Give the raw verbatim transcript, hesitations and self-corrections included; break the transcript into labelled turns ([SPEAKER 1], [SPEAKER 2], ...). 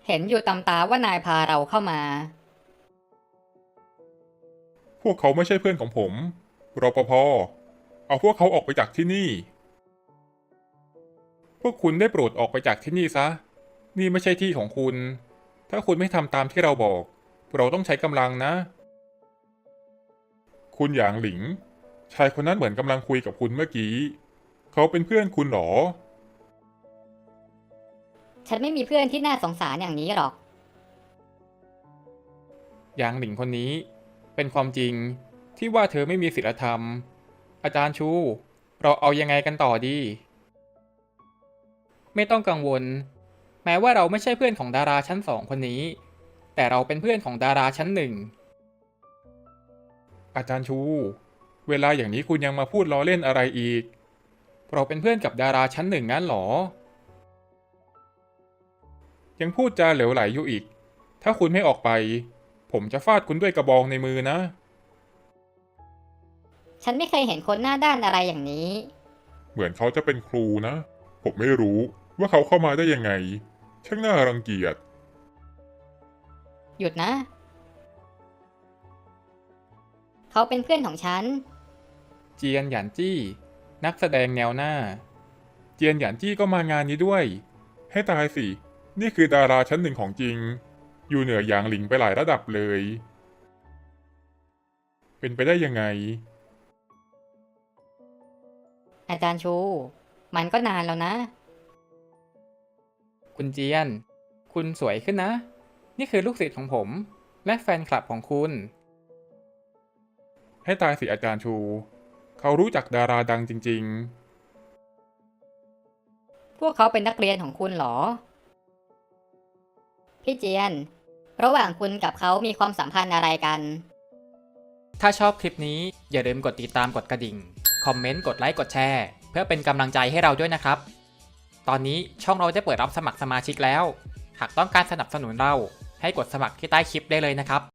[SPEAKER 1] เห็นอยู่ตำตาว่านายพาเราเข้ามา
[SPEAKER 2] พวกเขาไม่ใช่เพื่อนของผมรปภเอาพวกเขาออกไปจากที่นี่ พวกคุณได้โปรดออกไปจากที่นี่ซะ นี่ไม่ใช่ที่ของคุณ ถ้าคุณไม่ทำตามที่เราบอก เราต้องใช้กำลังนะ คุณหยางหลิง ชายคนนั้นเหมือนกำลังคุยกับคุณเมื่อกี้ เขาเป็นเพื่อนคุณหรอ
[SPEAKER 1] ฉันไม่มีเพื่อนที่น่าสงสารอย่างนี้หรอก
[SPEAKER 2] หยางหลิงคนนี้ เป็นความจริงที่ว่าเธอไม่มีศีลธรรม อาจารย์ชู เราเอายังไงกันต่อดี ไม่ต้องกังวล แม้ว่าเราไม่ใช่เพื่อนของดาราชั้นสองคนนี้ แต่เราเป็นเพื่อนของดาราชั้นหนึ่ง อาจารย์ชู เวลาอย่างนี้คุณยังมาพูดล้อเล่นอะไรอีก เราเป็นเพื่อนกับดาราชั้นหนึ่งงั้นหรอ ยังพูดจาเหลวไหลอยู่อีก ถ้าคุณไม่ออกไป ผมจะฟาดคุณด้วยกระบองในมือนะ
[SPEAKER 1] ฉันไม่เคยเห็นคนหน้าด้านอะไรอย่างนี้
[SPEAKER 2] เหมือนเขาจะเป็นครูนะ ผมไม่รู้ว่าเขาเข้ามาได้ยังไง ช่างน่ารังเกียจ
[SPEAKER 1] หยุดนะ เขาเป็นเพื่อนของฉัน
[SPEAKER 2] เจียนหยานจี้ นักแสดงแนวหน้า เจียนหยานจี้ก็มางานนี้ด้วย ให้ตายสิ นี่คือดาราชั้นหนึ่งของจริง อยู่เหนือหยางหลิงไปหลายระดับเลย เป็นไปได้ยังไง
[SPEAKER 1] อาจารย์ชู มันก็นานแล้วนะ
[SPEAKER 2] คุณเจียน คุณสวยขึ้นนะ นี่คือลูกศิษย์ของผม และแฟนคลับของคุณ ให้ตายสิอาจารย์ชู เขารู้จักดาราดังจริง
[SPEAKER 1] พวกเขาเป็นนักเรียนของคุณเหรอ พี่เจียน ระหว่างคุณกับเขามีความสัมพันธ์อะไรกัน
[SPEAKER 3] ถ้าชอบคลิปนี้อย่าลืมกดติดตามกดกระดิ่ง คอมเมนต์ กดไลค์ กดแชร์ เพื่อเป็นกำลังใจให้เราด้วยนะครับ ตอนนี้ช่องเราได้เปิดรับสมัครสมาชิกแล้ว หากต้องการสนับสนุนเราให้กดสมัครที่ใต้คลิปได้เลยนะครับ